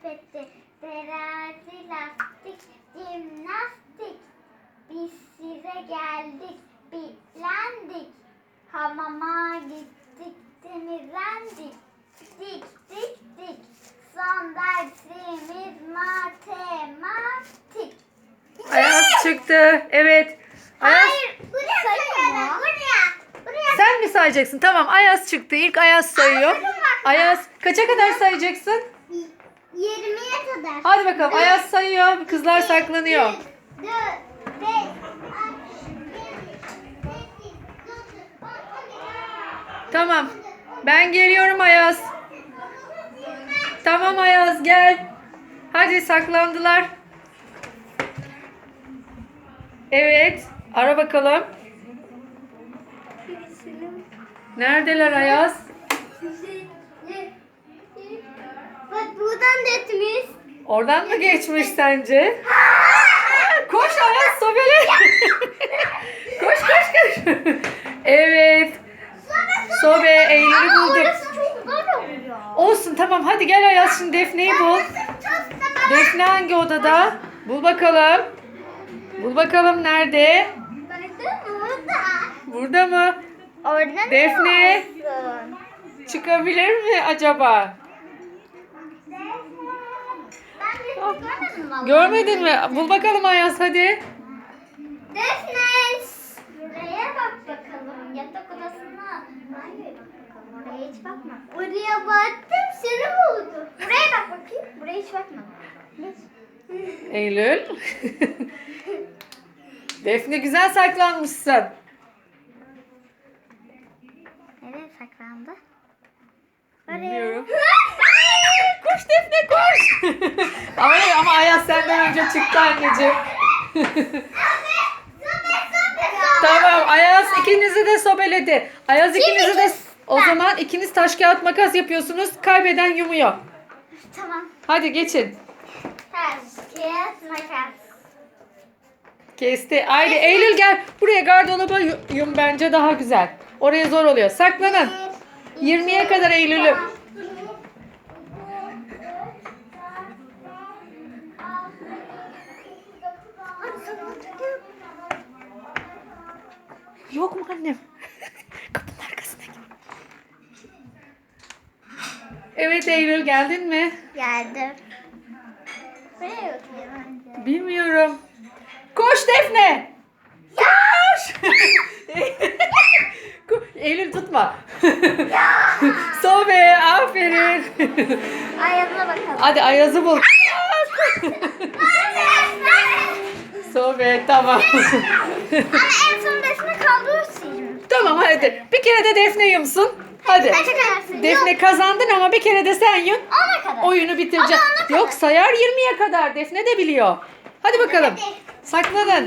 sepeti, terazi, lastik, jimnastik. Biz size geldik, bitlendik. Hamama gittik, temizlendik. Dik dik dik. Son dersimiz matematik. Ayaz çıktı. Evet. Ayaz, Hayır, buraya sayalım. Buraya. sen mi sayacaksın? Tamam, Ayaz çıktı. İlk Ayaz sayıyor. Ayaz kaça kadar sayacaksın? 20'ye kadar. Hadi bakalım. Ayaz sayıyor. Kızlar saklanıyor. 4, 5, 6, 7, 8, 9, 10, 11. Tamam. Ben geliyorum Ayaz. Tamam Ayaz gel. Hadi saklandılar. Evet. Ara bakalım. Neredeler Ayaz? Bak buradan da etmiş. Oradan mı geçmiş sence? Koş Ayaz sobele. Koş koş koş. Evet. Sobe Eylül'ü bulduk. Orası çok zor oluyor. Olsun tamam hadi gel Ayaz şimdi Defne'yi bul. Defne hangi odada? Bul bakalım. Bul bakalım nerede? Burada mı? Orada Defne. Çıkabilir mi acaba? Ben de görmedim vallahi. Görmedin mi? Bul bakalım Ayaz hadi. Defne. Buraya bak bakalım. Yatak odasına. Banyoya bak bakalım. Oraya hiç bakma. Oraya baktım seni buldum. Buraya bak bakayım. Buraya hiç bakmadım. Eylül. Defne güzel saklanmışsın. Nereye saklandı? Bilmiyorum. Koş Defne koş. ama Ayaz senden önce çıktı anneciğim. Tamam Ayaz ikinizi de sobeledi. Ayaz ikinizi de o zaman ikiniz taş kağıt makas yapıyorsunuz. Kaybeden yumuyor. Tamam. Hadi geçin. Taş, kağıt, makas. Kesti. Haydi Eylül gel. Buraya gardıroba yum bence daha güzel. Oraya zor oluyor. Saklanın. 20'ye kadar Eylül'üm. Yok mu annem? Kapının arkasına git. Evet Eylül geldin mi? Geldim. Buraya bakıyorum önce. Bilmiyorum. Koş Defne. Koş. Eylül tutma. Sobe aferin. Ayağına bakalım. Hadi Ayaz'ı bul. Sobe tamam. Ama en son resmi kaldığı için. Tamam hadi. Bir kere de Defne yumsun. Hadi. Kaça kadar? Defne kazandın ama bir kere de sen yum. 10'a kadar. Oyunu bitireceğim. Ama ona kadar. Yok sayar 20'ye kadar. Defne de biliyor. Hadi bakalım. Hadi. Saklanın.